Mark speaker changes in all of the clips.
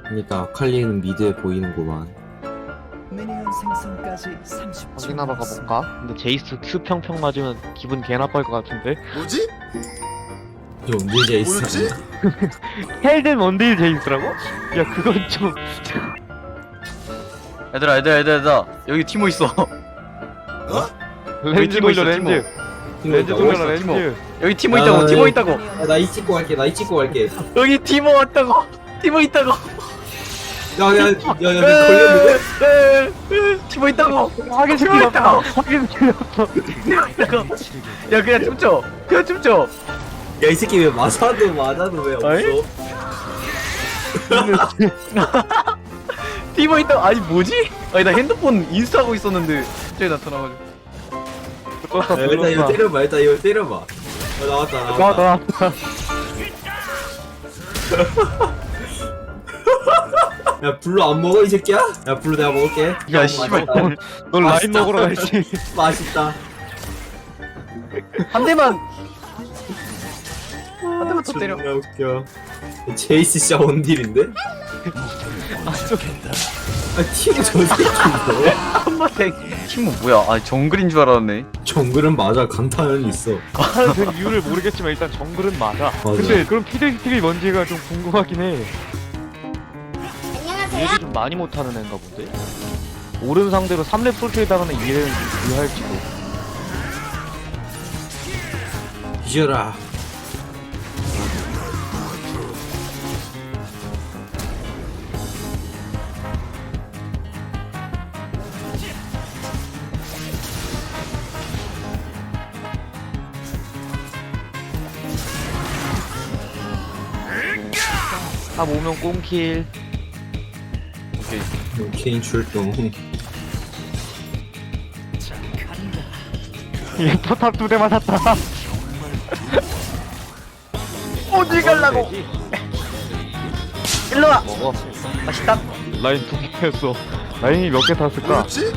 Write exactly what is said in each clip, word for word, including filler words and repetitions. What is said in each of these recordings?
Speaker 1: 그러니까 아칼리는 미드에 보이는구만.
Speaker 2: 미니언 생성까지 삼십 초
Speaker 3: 확인하러 가볼까? 근데 제이스 Q 평평 맞으면 기분 개 나빠할 것 같은데?
Speaker 4: 뭐지?
Speaker 1: 좀 밀제 있어.
Speaker 4: 뭐였지?
Speaker 3: 헬든 원딜 제이스라고? 야 그건 좀...
Speaker 5: 얘들아 얘들아 얘들아 얘들아 여기 티모 있어.
Speaker 4: 어?
Speaker 3: 렌즈
Speaker 5: 티모
Speaker 3: 돌려
Speaker 5: 있어,
Speaker 3: 렌즈 렌즈
Speaker 5: 어디
Speaker 3: 돌려라
Speaker 5: 있어, 티모?
Speaker 3: 렌즈
Speaker 5: 여기 티모
Speaker 1: 야,
Speaker 5: 있다고.
Speaker 1: 야,
Speaker 5: 티모
Speaker 1: 야.
Speaker 5: 있다고.
Speaker 1: 나이 찍고 갈게. 나이 찍고 갈게.
Speaker 5: 여기 티모 왔다고. 티모 있다고.
Speaker 1: 야야야야 걸렸는데?
Speaker 5: 에, 에, 에, 티모 있다고.
Speaker 3: 확인
Speaker 5: 티모
Speaker 3: 스킬
Speaker 5: 있다고.
Speaker 3: 없어 확인 스킬 없어
Speaker 5: 티모 있다고. 야 그냥 춤춰. 그냥 춤춰.
Speaker 1: 야 이 새끼 왜 맞아도 맞아도 왜
Speaker 5: 어이?
Speaker 1: 없어?
Speaker 5: 티모 있다고. 아니 뭐지? 아니 나 핸드폰 인스타 하고 있었는데 갑자기 나타나가지고.
Speaker 3: 눌렀어
Speaker 1: 야, 일단 이거
Speaker 3: 눌렀어
Speaker 1: 때려봐. 일단 이거 때려봐. 어, 나왔다
Speaker 3: 나
Speaker 1: 나왔다.
Speaker 3: 나왔다
Speaker 1: 야 블루 안 먹어 이 새끼야? 야 블루 내가 먹을게.
Speaker 5: 야,
Speaker 1: 어,
Speaker 5: 씨발.
Speaker 1: 맛있다.
Speaker 3: 넌 라인
Speaker 1: 맛있다.
Speaker 3: 먹으러 갈지
Speaker 1: 맛있다.
Speaker 5: 한 대만. 한 대만 더 때려.
Speaker 1: 존나 웃겨. 제이스 진짜 원딜인데? 아 티모 저 새끼인데?
Speaker 5: 한번 대. 티모 뭐야? 아 정글인 줄 알았네.
Speaker 1: 정글은 맞아. 강타는 있어.
Speaker 3: 말하는 그 이유를 모르겠지만 일단 정글은 맞아 근데 그럼 피드스틱이 뭔지가 좀 궁금하긴 해 얘를 좀 많이 못하는 애인가 본데? 오른 상대로 삼 렙 솔트에 당하는 이해는 유효할지도
Speaker 1: 뒤져라.
Speaker 3: 탑 오면 꽁킬
Speaker 5: 오케이.
Speaker 1: 개인 출동.
Speaker 3: 얘 포탑 두 대 맞았다
Speaker 5: 어디 갈라고? 일로 와.
Speaker 3: 먹어
Speaker 5: 맛있다.
Speaker 3: 라인 두 개였어 라인이 몇 개 탔을까?
Speaker 4: 뭐였지?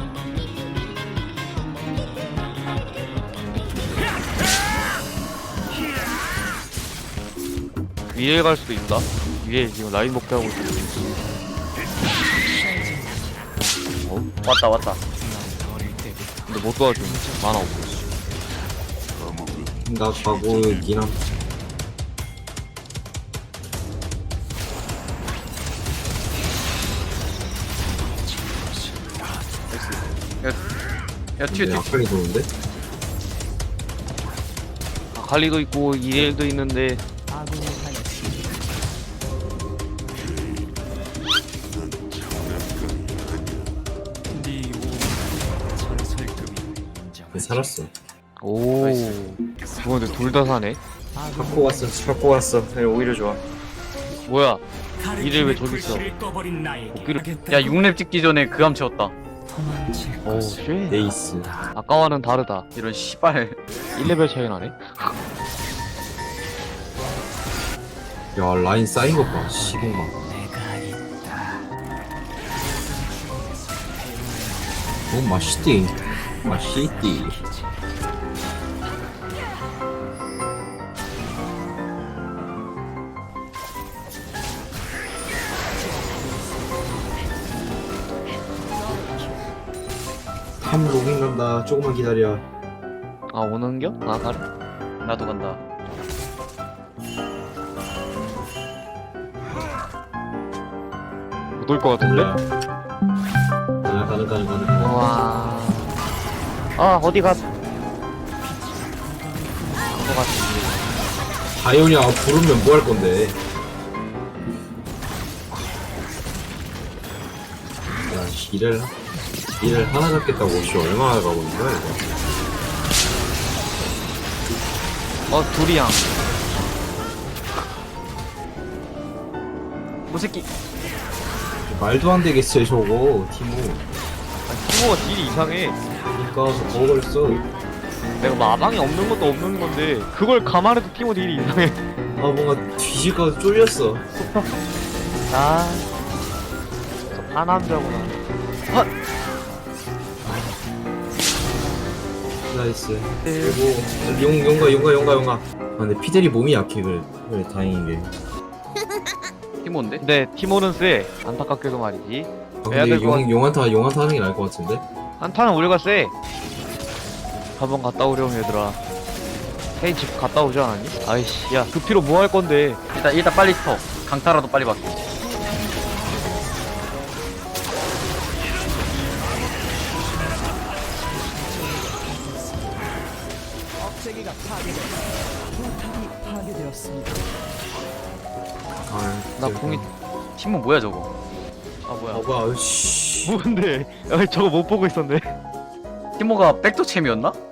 Speaker 3: 위에 갈 수도 있다 위에 지금 라인 복귀하고 있어
Speaker 5: 왔다 왔다.
Speaker 3: 근데 못 도와줘 만화 없어
Speaker 1: 나 가고 니랑
Speaker 5: 야 튀어 튀어.
Speaker 1: 아칼리 도는데?
Speaker 3: 아칼리도 있고 이엘도 있는데
Speaker 2: 아군이 하였습니다.
Speaker 1: 살았어.
Speaker 3: 오 그거 근데 둘 다 사네
Speaker 1: 갖고 왔어.
Speaker 5: 갖고 왔어. 오히려 좋아.
Speaker 3: 뭐야 이를 왜 저기 있어 복귀를
Speaker 5: 야 육 렙 찍기 전에 그 암 채웠다.
Speaker 3: 오쉣
Speaker 1: 에이스.
Speaker 3: 아까와는 다르다
Speaker 5: 이런 씨발.
Speaker 3: 일 레벨 차이 나네
Speaker 1: 야 라인 쌓인 것 봐. 시공만. 오 맛있디. 맛있디. 한 로밍 간다. 조금만 기다려.
Speaker 3: 아 오는겨? 아 가래?
Speaker 5: 나도 간다.
Speaker 3: 못 올 것 같은데?
Speaker 1: 가능 가능 가능 가능.
Speaker 3: 우와 아 어디 가 그거 같은데
Speaker 1: 다이오니아 부르면 뭐 할 건데? 야, 씨, 이를 이를 하나 잡겠다고 씨 얼마나 가고 있는 거야 이거?
Speaker 3: 어 둘이야
Speaker 5: 뭐 새끼.
Speaker 1: 말도 안 되겠어요 저거 티모.
Speaker 3: 티모가 딜이 이상해
Speaker 1: 그러니까 저 먹어버렸어.
Speaker 3: 내가 마방이 없는 것도 없는 건데 그걸 감안해도 티모 딜이 이상해
Speaker 1: 아 뭔가 뒤질까 쫄렸어.
Speaker 3: 아, 저 파남자구나. 아,
Speaker 1: 나이스. 그리고 용 용가 용가 용가 용가. 아 근데 피델이 몸이 약해 그래. 그래 다행인 게.
Speaker 5: 티모인데?
Speaker 3: 근데 티모는 쎄. 안타깝게도 말이지.
Speaker 1: 아,
Speaker 3: 해야
Speaker 1: 근데
Speaker 3: 될것 같-
Speaker 1: 용, 용한타 용한타 하는 게 나을 것 같은데?
Speaker 3: 한타는 우리가 쎄. 한번 갔다 오렴 얘들아. 헤이 집 갔다 오지 않았니? 아이씨 야 그 피로 뭐 할 건데.
Speaker 5: 일단 일단 빨리 터. 강타라도 빨리 받게.
Speaker 2: 억제기가 파괴되었습니다. 포탑이 파괴되었습니다.
Speaker 1: 아,
Speaker 3: 나 궁이
Speaker 5: 티모 뭐야 저거?
Speaker 3: 아 뭐야
Speaker 1: 어 뭐야 씨
Speaker 3: 뭔데? 아 저거 못 보고 있었네.
Speaker 5: 티모가 백도 챔이었나?